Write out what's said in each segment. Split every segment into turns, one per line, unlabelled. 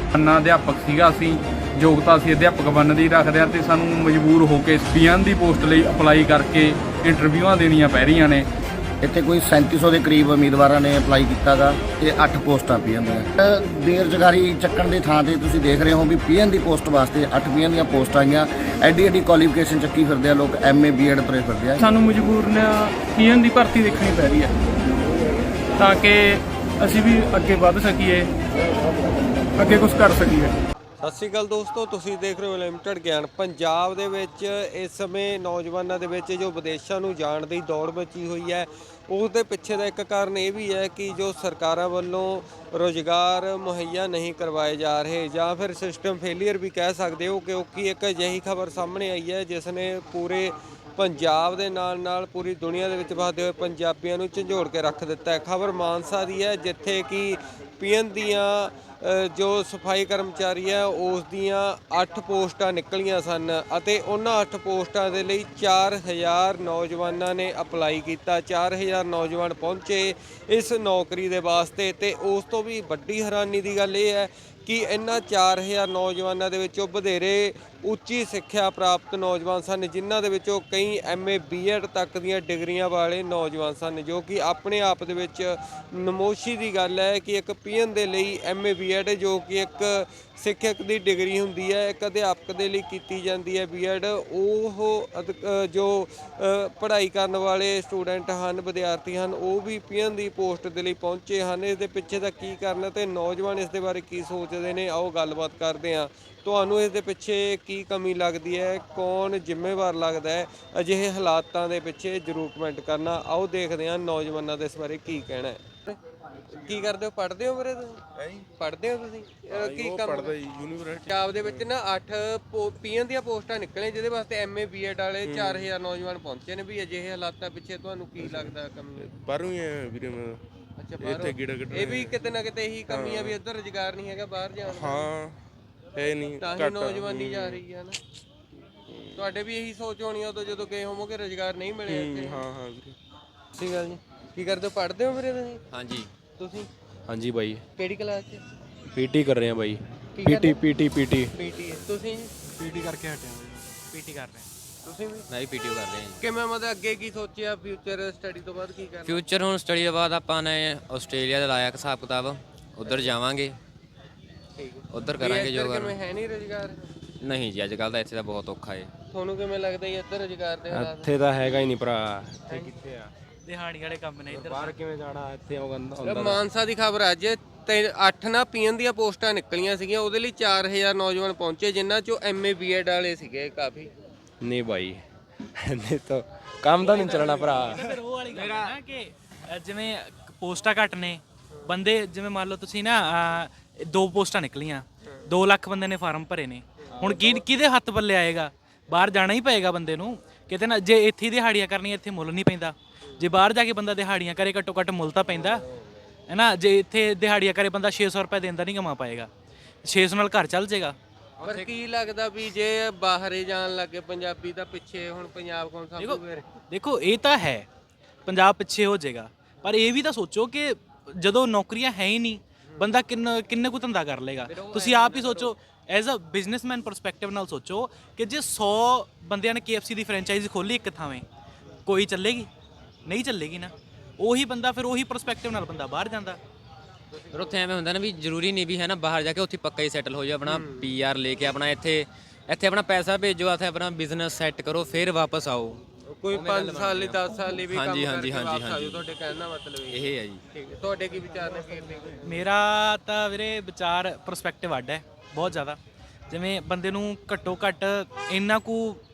अन्ना अध्यापक सीगा असीं योग्यता असीं अध्यापक बनने दी रखदे हां ते सानूं मजबूर हो के पीएन दी पोस्ट लई अप्लाई करके इंटरव्यूआं देणीਆਂ पै रਹੀਆਂ ਨੇ।
ਇੱਥੇ ਕੋਈ 3700 ਦੇ ਕਰੀਬ ਉਮੀਦਵਾਰਾਂ ਨੇ ਅਪਲਾਈ ਕੀਤਾ ਗਾ ਤੇ 8 ਪੋਸਟਾਂ ਪੀਐਨ ਦੀਆਂ। ਬੇਰੁਜ਼ਗਾਰੀ ਚੱਕਣ ਦੇ ਥਾਂ ਤੇ ਤੁਸੀਂ ਦੇਖ ਰਹੇ ਹੋ ਵੀ ਪੀਐਨ ਦੀ ਪੋਸਟ ਵਾਸਤੇ 8 ਪੀਐਨ ਦੀਆਂ ਪੋਸਟਾਂ ਆਈਆਂ। ਐਡੀ ਕੁਆਲੀਫਿਕੇਸ਼ਨ ਚੱਕੀ ਫਿਰਦੇ ਆ ਲੋਕ, ਐਮਏ ਬੀਐਡ ਤੁਰੇ ਫਿਰਦੇ ਆ।
ਸਾਨੂੰ ਮਜਬੂਰ ਨੇ ਪੀਐਨ ਦੀ ਭਰਤੀ ਦੇਖਣੀ ਪੈ ਰਹੀ ਹੈ ਤਾਂ ਕਿ ਅਸੀਂ ਵੀ ਅੱਗੇ ਵੱਧ ਸਕੀਏ, ਅੱਗੇ ਕੁਝ ਕਰ ਸਕੀਏ।
ਸਤਿ ਸ਼੍ਰੀ ਅਕਾਲ ਦੋਸਤੋ, ਤੁਸੀਂ ਦੇਖ ਰਹੇ ਹੋ ਲਿਮਟਿਡ ਗਿਆਨ। ਪੰਜਾਬ ਦੇ ਵਿੱਚ ਇਸ ਸਮੇਂ ਨੌਜਵਾਨਾਂ ਦੇ ਵਿੱਚ ਜੋ ਵਿਦੇਸ਼ਾਂ ਨੂੰ ਜਾਣ ਦੀ ਦੌੜ ਮਚੀ ਹੋਈ ਹੈ, ਉਸ ਦੇ ਪਿੱਛੇ ਦਾ ਇੱਕ ਕਾਰਨ ਇਹ ਵੀ ਹੈ ਕਿ ਜੋ ਸਰਕਾਰਾਂ ਵੱਲੋਂ ਰੁਜ਼ਗਾਰ ਮੁਹੱਈਆ ਨਹੀਂ ਕਰਵਾਏ ਜਾ ਰਹੇ ਜਾਂ ਫਿਰ ਸਿਸਟਮ ਫੇਲੀਅਰ ਵੀ ਕਹਿ ਸਕਦੇ ਹੋ, ਕਿਉਂਕਿ ਇੱਕ ਅਜਿਹੀ ਖਬਰ ਸਾਹਮਣੇ ਆਈ ਹੈ ਜਿਸ ਨੇ ਪੂਰੇ ਪੰਜਾਬ ਦੇ ਨਾਲ ਪੂਰੀ ਦੁਨੀਆ ਦੇ ਵਿੱਚ ਵਸਦੇ ਹੋਏ ਪੰਜਾਬੀਆਂ ਨੂੰ ਝੰਜੋੜ ਕੇ ਰੱਖ ਦਿੱਤਾ ਹੈ। ਖਬਰ ਮਾਨਸਾ ਦੀ ਹੈ, ਜਿੱਥੇ ਕਿ ਪੀਐਨ ਦੀਆਂ ਜੋ ਸਫਾਈ ਕਰਮਚਾਰੀ ਹੈ ਉਸ ਦੀਆਂ 8 ਪੋਸਟਾਂ ਨਿਕਲੀਆਂ ਸਨ ਅਤੇ ਉਹਨਾਂ 8 ਪੋਸਟਾਂ ਦੇ ਲਈ 4000 ਨੌਜਵਾਨਾਂ ਨੇ ਅਪਲਾਈ ਕੀਤਾ। 4000 ਨੌਜਵਾਨ ਪਹੁੰਚੇ ਇਸ ਨੌਕਰੀ ਦੇ ਵਾਸਤੇ ਤੇ ਉਸ ਤੋਂ ਵੀ ਵੱਡੀ ਹੈਰਾਨੀ ਦੀ ਗੱਲ ਇਹ ਹੈ ਕਿ ਇਹਨਾਂ 4000 ਨੌਜਵਾਨਾਂ ਦੇ ਵਿੱਚੋਂ ਵਧੇਰੇ ਉੱਚੀ ਸਿੱਖਿਆ ਪ੍ਰਾਪਤ ਨੌਜਵਾਨ ਸਨ, ਜਿਨ੍ਹਾਂ ਦੇ ਵਿੱਚੋਂ ਕਈ ਐਮਏ ਬੀਐਡ ਤੱਕ ਦੀਆਂ ਡਿਗਰੀਆਂ ਵਾਲੇ ਨੌਜਵਾਨ ਸਨ, ਜੋ ਕਿ ਆਪਣੇ ਆਪ ਦੇ ਵਿੱਚ ਨਮੋਸ਼ੀ ਦੀ ਗੱਲ ਹੈ ਕਿ ਇੱਕ ਪੀਐਨ ਦੇ ਲਈ ਐਮਏ ਬੀਐਡ ਜੋ ਕਿ ਇੱਕ ਸਿੱਖਿਅਕ ਦੀ ਡਿਗਰੀ ਹੁੰਦੀ ਹੈ, ਇੱਕ ਅਧਿਆਪਕ ਦੇ ਲਈ ਕੀਤੀ ਜਾਂਦੀ ਹੈ ਬੀਐਡ, ਉਹ ਜੋ ਪੜ੍ਹਾਈ ਕਰਨ ਵਾਲੇ ਸਟੂਡੈਂਟ ਹਨ, ਵਿਦਿਆਰਥੀ ਹਨ, ਉਹ ਵੀ ਪੀਐਨ ਦੀ ਪੋਸਟ ਦੇ ਲਈ ਪਹੁੰਚੇ ਹਨ। ਇਸ ਦੇ ਪਿੱਛੇ ਦਾ ਕੀ ਕਾਰਨ ਤੇ ਨੌਜਵਾਨ ਇਸ ਦੇ ਬਾਰੇ ਕੀ ਸੋਚਦੇ ਨੇ, ਆਓ ਗੱਲਬਾਤ ਕਰਦੇ ਹਾਂ। ਤੁਹਾਨੂੰ ਇਸ ਦੇ ਪਿੱਛੇ ਕੀ ਕਮੀ ਲੱਗਦੀ ਹੈ, ਕੌਣ ਜ਼ਿੰਮੇਵਾਰ ਲੱਗਦਾ ਹੈ ਅਜਿਹੇ ਹਾਲਾਤਾਂ ਦੇ ਪਿੱਛੇ, ਜ਼ਰੂਰ ਕਮੈਂਟ ਕਰਨਾ। ਆਓ ਦੇਖਦੇ ਹਾਂ ਨੌਜਵਾਨਾਂ ਦੇ ਇਸ ਬਾਰੇ ਕੀ ਕਹਿਣਾ ਹੈ। ਕੀ ਕਰਦੇ ਹੋ, ਪੜ੍ਹਦੇ ਹੋ ਵੀਰੇ ਤੁਸੀਂ? ਪੜ੍ਹਦੇ ਹੋ ਤੁਸੀਂ? ਕੀ ਕੰਮ ਪੜ੍ਹਦਾ ਜੀ ਯੂਨੀਵਰਸਿਟੀ ਪੰਜਾਬ ਦੇ ਵਿੱਚ ਨਾ 8 ਪੀਐਨ ਦੀਆਂ ਪੋਸਟਾਂ ਨਿਕਲੀਆਂ, ਜਿਹਦੇ ਵਾਸਤੇ ਐਮਏ ਬੀਐਡ ਵਾਲੇ 4000 ਨੌਜਵਾਨ ਪਹੁੰਚੇ ਨੇ। ਵੀ ਅਜਿਹੇ ਹਾਲਾਤਾਂ ਪਿੱਛੇ ਤੁਹਾਨੂੰ ਕੀ ਲੱਗਦਾ ਕਮੀ?
ਬਾਹਰੋਂ ਹੀ ਆ ਵੀਰੇ ਮੈਂ।
ਅੱਛਾ, ਬਾਹਰੋਂ। ਇਹ ਵੀ ਕਿਤੇ ਨਾ ਕਿਤੇ ਇਹੀ ਕਮੀ ਆ ਵੀ ਇੱਧਰ ਰੁਜ਼ਗਾਰ ਨਹੀਂ ਹੈਗਾ ਬਾਹਰ ਜਾਣ ਦਾ।
ਹਾਂ ਹੈ ਨਹੀਂ,
ਤਾਂ ਹੀ ਨੌਜਵਾਨੀ ਜਾ ਰਹੀ ਹੈ ਨਾ। ਤੁਹਾਡੇ ਵੀ ਇਹੀ ਸੋਚ ਹੋਣੀ ਉਦੋਂ ਜਦੋਂ ਗਏ ਹੋਵੋਗੇ ਰੁਜ਼ਗਾਰ ਨਹੀਂ ਮਿਲਿਆ ਇੱਥੇ।
ਹਾਂ ਵੀਰੇ।
ਸਹੀ ਗੱਲ ਜੀ। ਕੀ ਕਰਦੇ ਹੋ, ਪੜ੍ਹਦੇ ਹੋ ਵੀਰੇ ਤੁਸੀਂ?
ਹਾਂਜੀ।
ਤੁਸੀਂ?
ਹਾਂਜੀ ਬਾਈ।
ਕਿਹੜੀ ਕਲਾਸ 'ਚ?
ਪੀਟੀ ਕਰ ਰਹੇ ਆ ਬਾਈ।
ਪੀਟੀ ਤੁਸੀਂ?
ਪੀਟੀ ਕਰਕੇ ਹਟਿਆ, ਪੀਟੀ ਕਰ ਰਹੇ।
ਤੁਸੀਂ ਵੀ?
ਮੈਂ ਵੀ ਪੀਟੀਓ ਕਰ ਰਿਹਾ ਹਾਂ।
ਕਿਵੇਂ ਮਤਲਬ ਅੱਗੇ ਕੀ ਸੋਚਿਆ ਫਿਊਚਰ ਸਟੱਡੀ ਤੋਂ ਬਾਅਦ ਕੀ ਕਰਨਾ?
ਫਿਊਚਰ ਹੁਣ ਸਟੱਡੀ ਤੋਂ ਬਾਅਦ ਆਪਾਂ ਨੇ ਆਸਟ੍ਰੇਲੀਆ ਦਾ ਲਾਇਆ ਹਿਸਾਬ ਕਿਤਾਬ, ਉੱਧਰ ਜਾਵਾਂਗੇ, ਉੱਧਰ ਕਰਾਂਗੇ ਜੋ
ਕਿਵੇਂ ਹੈ ਨਹੀਂ ਰੁਜ਼ਗਾਰ?
ਨਹੀਂ ਜੀ, ਅੱਜ ਕੱਲ੍ਹ ਤਾਂ ਇੱਥੇ ਤਾਂ ਬਹੁਤ ਔਖਾ ਹੈ।
ਤੁਹਾਨੂੰ ਕਿਵੇਂ ਲੱਗਦਾ ਜੀ ਇੱਧਰ ਰੁਜ਼ਗਾਰ ਦੇ ਹਾਲਾਤ?
ਇੱਥੇ ਤਾਂ ਹੈਗਾ ਹੀ ਨਹੀਂ ਭਰਾ, ਇੱਥੇ ਕਿੱਥੇ ਆ,
ਦਿਹਾੜੀ ਵਾਲੇ ਕੰਮ ਨੇ ਇੱਧਰ।
ਬਾਹਰ ਕਿਵੇਂ ਜਾਣਾ, ਇੱਥੇ ਆਉਂਦਾ।
ਮਾਨਸਾ ਦੀ ਖਬਰ ਅੱਜ ਤੇ 8 ਨਾ ਪੀਐਨ ਦੀਆਂ ਪੋਸਟਾਂ ਨਿਕਲੀਆਂ ਸੀਗੀਆਂ, ਉਹਦੇ ਲਈ 4000 ਨੌਜਵਾਨ ਪਹੁੰਚੇ, ਜਿਨ੍ਹਾਂ ਚੋਂ ਐਮਏ ਬੀਐਡ ਵਾਲੇ ਸੀਗੇ ਕਾਫੀ।
ਨਹੀਂ ਬਾਈ, ਨਹੀਂ ਤਾਂ ਕੰਮ ਤਾਂ ਨਹੀਂ ਚੱਲਣਾ ਭਰਾ।
ਫਿਰ ਉਹ ਵਾਲੀ ਗੱਲ ਨਾ ਕਿ ਜਿਵੇਂ ਪੋਸਟਾਂ ਘੱਟ ਨੇ, ਬੰਦੇ ਜਿਵੇਂ ਮੰਨ ਲਓ ਤੁਸੀਂ ਨਾ 2 ਪੋਸਟਾਂ ਨਿਕਲੀਆਂ, 2 ਲੱਖ ਬੰਦੇ ਨੇ ਫਾਰਮ ਭਰੇ ਨੇ, ਹੁਣ ਕਿਹਦੇ ਹੱਥ ਪੱਲੇ ਆਏਗਾ? ਬਾਹਰ ਜਾਣਾ ਹੀ ਪਏਗਾ ਬੰਦੇ ਨੂੰ ਕਿਤੇ ਨਾ। ਜੇ ਇੱਥੇ ਦਿਹਾੜੀਆਂ ਕਰਨੀਆਂ, ਇੱਥੇ ਮੁੱਲ ਨਹੀਂ ਪੈਂਦਾ। ਜੇ ਬਾਹਰ ਜਾ ਕੇ ਬੰਦਾ ਦਿਹਾੜੀਆਂ ਕਰੇ, ਘੱਟੋ ਘੱਟ ਮੁੱਲ ਤਾਂ ਪੈਂਦਾ ਹੈ ਨਾ। ਜੇ ਇੱਥੇ ਦਿਹਾੜੀਆਂ ਕਰੇ ਬੰਦਾ 600 ਰੁਪਏ ਦਿੰਦਾ ਨਹੀਂ ਕਮਾ ਪਾਏਗਾ, 600 ਨਾਲ ਘਰ ਚੱਲ ਜਾਏਗਾ।
ਪਰ ਕੀ ਲੱਗਦਾ ਵੀ ਜੇ ਬਾਹਰੇ ਜਾਣ ਲੱਗੇ ਪੰਜਾਬੀ ਤਾਂ ਪਿੱਛੇ, ਹੁਣ ਪੰਜਾਬ ਕੌਣ ਸੰਭੂਗਾ?
ਦੇਖੋ ਇਹ ਤਾਂ ਹੈ, ਪੰਜਾਬ ਪਿੱਛੇ ਹੋ ਜਾਏਗਾ, ਪਰ ਇਹ ਵੀ ਤਾਂ ਸੋਚੋ ਕਿ ਜਦੋਂ ਨੌਕਰੀਆਂ ਹੈ ਹੀ ਨਹੀਂ, ਬੰਦਾ ਕਿੰਨੇ ਕੁ ਧੰਦਾ ਕਰ ਲੇਗਾ? ਤੁਸੀਂ ਆਪ ਹੀ ਸੋਚੋ, ਐਜ਼ ਅ ਬਿਜ਼ਨਸਮੈਨ ਪਰਸਪੈਕਟਿਵ ਨਾਲ ਸੋਚੋ ਕਿ ਜੇ 100 ਬੰਦਿਆਂ ਨੇ KFC ਦੀ ਫਰੈਂਚਾਈਜ਼ੀ ਖੋਲੀ ਇੱਕ ਥਾਵੇਂ, ਕੋਈ ਚੱਲੇਗੀ? ਨਹੀਂ ਚੱਲੇਗੀ ਨਾ। ਉਹੀ ਬੰਦਾ ਫਿਰ ਉਹੀ ਪਰਸਪੈਕਟਿਵ ਨਾਲ ਬੰਦਾ ਬਾਹਰ ਜਾਂਦਾ।
ਫਿਰ ਉੱਥੇ ਐਵੇਂ ਹੁੰਦਾ ਨਾ ਵੀ ਜ਼ਰੂਰੀ ਨਹੀਂ ਵੀ ਹੈ ਨਾ ਬਾਹਰ ਜਾ ਕੇ ਉੱਥੇ ਪੱਕਾ ਹੀ ਸੈਟਲ ਹੋ ਜਾਓ, ਆਪਣਾ PR ਲੈ ਕੇ ਆਪਣਾ ਇੱਥੇ ਆਪਣਾ ਪੈਸਾ ਭੇਜੋ, ਇੱਥੇ ਆਪਣਾ ਬਿਜ਼ਨਸ ਸੈੱਟ ਕਰੋ, ਫਿਰ ਵਾਪਸ ਆਓ।
ਕੋਈ 5 ਸਾਲ ਲਈ 10 ਸਾਲ ਲਈ ਵੀ ਕੰਮ
ਹਾਂਜੀ,
ਕਰਕੇ
ਹਾਂਜੀ,
ਵਾਪਸ ਆ
ਹਾਂਜੀ।
ਜਾਓ, ਤੁਹਾਡੇ ਕਹਿਣ ਦਾ ਮਤਲਬ
ਇਹ ਹੈ ਜੀ।
ਠੀਕ ਹੈ। ਤੁਹਾਡੇ ਕੀ ਵਿਚਾਰ ਨੇ?
ਮੇਰਾ ਤਾਂ ਵੀਰੇ ਵਿਚਾਰ ਪਰਸਪੈਕਟਿਵ ਅੱਡ ਹੈ ਬਹੁਤ ਜ਼ਿਆਦਾ। ਜਿਵੇਂ ਬੰਦੇ ਨੂੰ ਘੱਟੋ ਘੱਟ ਇੰਨਾ ਕੁ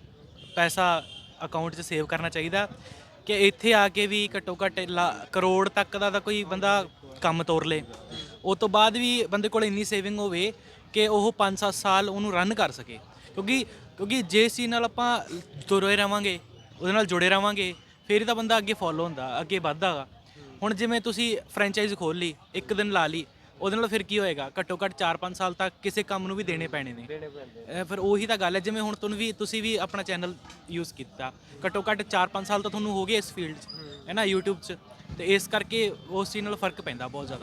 ਪੈਸਾ ਅਕਾਊਂਟ 'ਚ ਸੇਵ ਕਰਨਾ ਚਾਹੀਦਾ ਕਿ ਇੱਥੇ ਆ ਕੇ ਵੀ ਘੱਟੋ ਘੱਟ ਕਰੋੜ ਤੱਕ ਦਾ ਤਾਂ ਕੋਈ ਬੰਦਾ ਕੰਮ ਤੋਰ ਲੇ। ਉਸ ਤੋਂ ਬਾਅਦ ਵੀ ਬੰਦੇ ਕੋਲ ਇੰਨੀ ਸੇਵਿੰਗ ਹੋਵੇ ਕਿ ਉਹ 5-7 ਸਾਲ ਉਹਨੂੰ ਰਨ ਕਰ ਸਕੇ, ਕਿਉਂਕਿ ਜੇ ਚੀਜ਼ ਨਾਲ ਆਪਾਂ ਤੁਰੇ ਰਹਾਂਗੇ, ਉਹਦੇ ਨਾਲ ਜੁੜੇ ਰਹਾਂਗੇ, ਫਿਰ ਹੀ ਤਾਂ ਬੰਦਾ ਅੱਗੇ ਫੋਲੋ ਹੁੰਦਾ, ਅੱਗੇ ਵੱਧਦਾ ਗਾ। ਹੁਣ ਜਿਵੇਂ ਤੁਸੀਂ ਫਰੈਂਚਾਈਜ਼ ਖੋਲ੍ਹ ਲਈ, ਇੱਕ ਦਿਨ ਲਾ ਲਈ, ਉਹਦੇ ਨਾਲ ਫਿਰ ਕੀ ਹੋਏਗਾ? ਘੱਟੋ ਘੱਟ 4-5 ਸਾਲ ਤੱਕ ਕਿਸੇ ਕੰਮ ਨੂੰ ਵੀ ਦੇਣੇ ਪੈਣੇ ਨੇ। ਫਿਰ ਉਹੀ ਤਾਂ ਗੱਲ ਹੈ, ਜਿਵੇਂ ਹੁਣ ਤੁਸੀਂ ਵੀ ਆਪਣਾ ਚੈਨਲ ਯੂਜ਼ ਕੀਤਾ, ਘੱਟੋ ਘੱਟ 4-5 ਸਾਲ ਤਾਂ ਤੁਹਾਨੂੰ ਹੋ ਗਏ ਇਸ ਫੀਲਡ 'ਚ, ਹੈ ਨਾ, YouTube 'ਚ, ਅਤੇ ਇਸ ਕਰਕੇ ਉਸ ਚੀਜ਼ ਨਾਲ ਫਰਕ ਪੈਂਦਾ ਬਹੁਤ ਜ਼ਿਆਦਾ।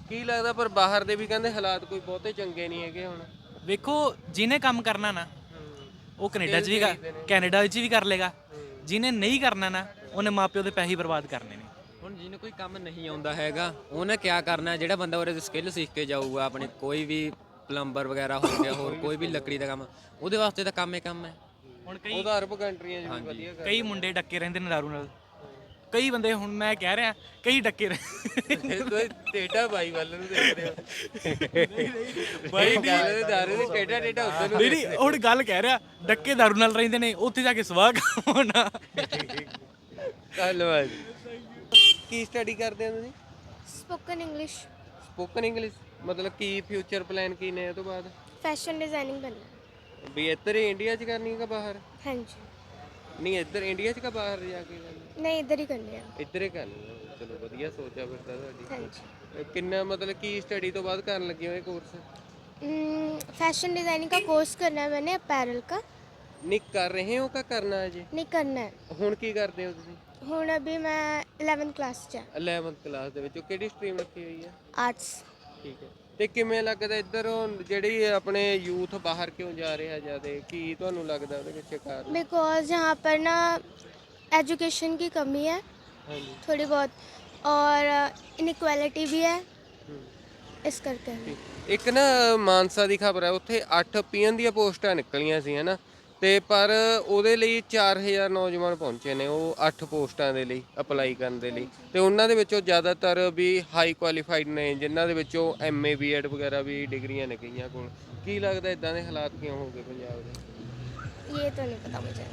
ਕੀ ਲੱਗਦਾ ਪਰ ਬਾਹਰ ਦੇ ਵੀ ਕਹਿੰਦੇ ਹਾਲਾਤ ਕੋਈ ਬਹੁਤੇ ਚੰਗੇ ਨਹੀਂ ਹੈਗੇ ਹੁਣ।
ਵੇਖੋ ਜਿਹਨੇ ਕੰਮ ਕਰਨਾ ਨਾ ਉਹ ਕੈਨੇਡਾ ਵਿੱਚ ਵੀ ਕਰ ਲੇਗਾ, ਜਿਹਨੇ ਨਹੀਂ ਕਰਨਾ ਨਾ ਉਹਨੇ ਮਾਪਿਓ ਦੇ ਪੈਸੇ ਬਰਬਾਦ ਕਰਨੇ ਨੇ।
ਹੁਣ ਜਿਹਨੂੰ ਕੋਈ ਕੰਮ ਨਹੀਂ ਆਉਂਦਾ ਹੈਗਾ ਉਹਨੇ ਕੀ ਕਰਨਾ, ਜਿਹੜਾ ਬੰਦਾ ਉਹਦੇ ਸਕਿੱਲ ਸਿੱਖ ਕੇ ਜਾਊਗਾ ਆਪਣੇ, ਕੋਈ ਵੀ ਪਲੰਬਰ ਵਗੈਰਾ ਹੋ ਗਿਆ, ਹੋਰ ਕੋਈ ਵੀ ਲੱਕੜੀ ਦਾ ਕੰਮ, ਉਹਦੇ ਵਾਸਤੇ ਤਾਂ ਕੰਮ ਹੀ ਕੰਮ ਹੈ।
ਹੁਣ
ਉਹਦਾ ਅਰਬ ਕੰਟਰੀਆਂ 'ਚ ਵੀ ਵਧੀਆ
ਕਈ ਮੁੰਡੇ ਡੱਕੇ ਰਹਿੰਦੇ ਨੇ ਦਾਰੂ ਨਾਲ, ਕਈ ਬੰਦੇ, ਹੁਣ ਮੈਂ ਕਹਿ ਰਿਹਾ ਕਈ ਡੱਕੇ
ਤੁਸੀਂ ਟੇਟਾ ਬਾਈ ਵੱਲ ਨੂੰ ਦੇਖ ਰਹੇ ਹੋ। ਬਾਈ ਦਾਰੂ ਦੀ ਟੇਟਾ ਉੱਧਰ ਨੂੰ।
ਨਹੀਂ ਹੁਣ ਗੱਲ ਕਹਿ ਰਿਹਾ ਡੱਕੇ ਦਾਰੂ ਨਾਲ ਰਹਿੰਦੇ ਨੇ, ਉੱਥੇ ਜਾ ਕੇ ਸਵਾਹ ਹੋਣਾ।
ਧੰਨਵਾਦ। ਕੀ ਸਟੱਡੀ ਕਰਦੇ ਹੋ ਤੁਸੀਂ?
स्पोकन इंग्लिश
ਸਪੋਕਨ ਇੰਗਲਿਸ਼, ਮਤਲਬ ਕੀ ਫਿਊਚਰ ਪਲਾਨ ਕੀ ਨੇ ਇਹ ਤੋਂ ਬਾਅਦ?
फैशन डिजाइनिंग बनना।
ਵੀ ਇੱਧਰ ਹੀ ਇੰਡੀਆ 'ਚ ਕਰਨੀ ਹੈ ਕਿ ਬਾਹਰ?
हाँ जी,
ਨਹੀਂ ਇੱਧਰ ਇੰਡੀਆ 'ਚ ਕਿ ਬਾਹਰ ਜਾ ਕੇ ਕਰਨੀ?
नहीं इधर ही करनी है।
ਇੱਧਰ ਹੀ ਕਰਨੀ ਹੈ। ਚਲੋ ਵਧੀਆ ਸੋਚ ਆ ਫਿਰ ਤਾਂ ਤੁਹਾਡੀ।
हाँ जी,
ਕਿੰਨਾ ਮਤਲਬ ਕੀ ਸਟੱਡੀ ਤੋਂ ਬਾਅਦ ਕਰਨ ਲੱਗੇ ਹੋ ਇਹ ਕੋਰਸ?
फैशन डिजाइनिंग का कोर्स करना है मैंने, अपैरल का।
ਨਹੀਂ ਕਰ ਰਹੇ ਹੋ ਕਿ ਕਰਨਾ ਹੈ ਜੀ?
नहीं करना है।
ਹੁਣ ਕੀ ਕਰਦੇ ਹੋ ਤੁਸੀਂ?
हूँ अभी मैं 11th क्लास च
11th ਕਲਾਸ ਦੇ ਵਿੱਚ ਕਿਹੜੀ ਸਟਰੀਮ ਰੱਖੀ ਹੋਈ ਹੈ?
आर्ट्स।
ਠੀਕ ਹੈ। ਤੇ ਕਿਵੇਂ ਲੱਗਦਾ ਇੱਧਰ ਜਿਹੜੀ ਆਪਣੇ ਯੂਥ ਬਾਹਰ ਕਿਉਂ ਜਾ ਰਿਹਾ ਜ਼ਿਆਦਾ, ਕੀ ਤੁਹਾਨੂੰ ਲੱਗਦਾ ਉਹਦੇ ਪਿੱਛੇ ਕਾਰਨ?
बिकॉज यहाँ पर ना एजुकेशन की कमी है
ਹਾਂਜੀ
थोड़ी बहुत, और इनक्वालिटी भी है, इस करके।
ਇੱਕ ਨਾ ਮਾਨਸਾ ਦੀ ਖਬਰ ਹੈ, ਉੱਥੇ 8 ਪੀਐਨ ਦੀਆਂ ਪੋਸਟਾਂ ਨਿਕਲੀਆਂ ਸੀ ਹਨਾ, ਤੇ ਪਰ ਉਹਦੇ ਲਈ 4000 ਨੌਜਵਾਨ ਪਹੁੰਚੇ ਨੇ ਉਹ 8 ਪੋਸਟਾਂ ਦੇ ਲਈ ਅਪਲਾਈ ਕਰਨ ਦੇ ਲਈ, ਤੇ ਉਹਨਾਂ ਦੇ ਵਿੱਚੋਂ ਜ਼ਿਆਦਾਤਰ ਵੀ ਹਾਈ ਕੁਆਲੀਫਾਈਡ ਨੇ, ਜਿਨ੍ਹਾਂ ਦੇ ਵਿੱਚੋਂ ਐਮਏ ਬੀਐਡ ਵਗੈਰਾ ਵੀ ਡਿਗਰੀਆਂ ਨੇ ਕਈਆਂ ਕੋਲ। ਕੀ ਲੱਗਦਾ ਇਦਾਂ ਦੇ ਹਾਲਾਤ ਕਿਉਂ ਹੋ ਗਏ ਪੰਜਾਬ ਦੇ?
ये तो नहीं पता मुझे।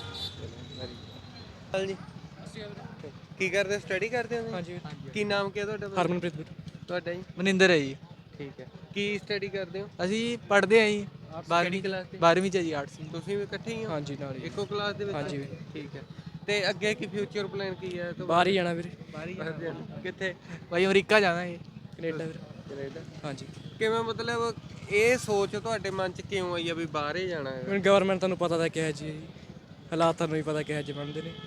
ਜੀ ਕੀ ਕਰਦੇ, ਸਟੱਡੀ ਕਰਦੇ ਹੋ? ਹਾਂਜੀ। ਕੀ ਨਾਮ ਕੀ ਹੈ ਤੁਹਾਡਾ?
ਹਰਮਨਪ੍ਰੀਤ ਵੀਰ।
ਤੁਹਾਡਾ ਜੀ?
ਮਨਿੰਦਰ ਹੈ ਜੀ।
ਠੀਕ ਹੈ। ਕੀ ਸਟੱਡੀ ਕਰਦੇ ਹੋ?
ਅਸੀਂ ਪੜ੍ਹਦੇ ਆਂ ਜੀ 12ਵੀਂ
ਕਲਾਸ ਤੇ?
12ਵੀਂ ਚ ਜੀ ਆਰਟਸ।
ਤੁਸੀਂ ਵੀ ਇਕੱਠੇ ਹੀ ਹੋ?
ਹਾਂਜੀ ਨਾਲ ਹੀ।
ਇੱਕੋ ਕਲਾਸ ਦੇ ਵਿੱਚ?
ਹਾਂਜੀ।
ਠੀਕ ਹੈ। ਤੇ ਅੱਗੇ ਕੀ ਫਿਊਚਰ ਪਲਾਨ ਕੀ ਹੈ?
ਬਾਹਰ ਹੀ ਜਾਣਾ ਵੀਰੇ।
ਕਿੱਥੇ?
ਬਾਈ ਅਮਰੀਕਾ ਜਾਣਾ ਜੀ, ਕੈਨੇਡਾ ਵੀਰੇ।
ਕੈਨੇਡਾ?
ਹਾਂਜੀ।
ਕਿਵੇਂ ਮਤਲਬ ਇਹ ਸੋਚ ਤੁਹਾਡੇ ਮਨ 'ਚ ਕਿਉਂ ਆਈ ਆ ਵੀ ਬਾਹਰ ਹੀ ਜਾਣਾ ਹੈ?
ਹੁਣ ਗਵਰਨਮੈਂਟ ਤੁਹਾਨੂੰ ਪਤਾ ਤਾਂ ਕਿਹਾ ਜੀ, ਹਾਲਾਤ ਤੁਹਾਨੂੰ ਵੀ ਪਤਾ ਕਿਹਾ ਜੀ ਬਣਦੇ ਨੇ।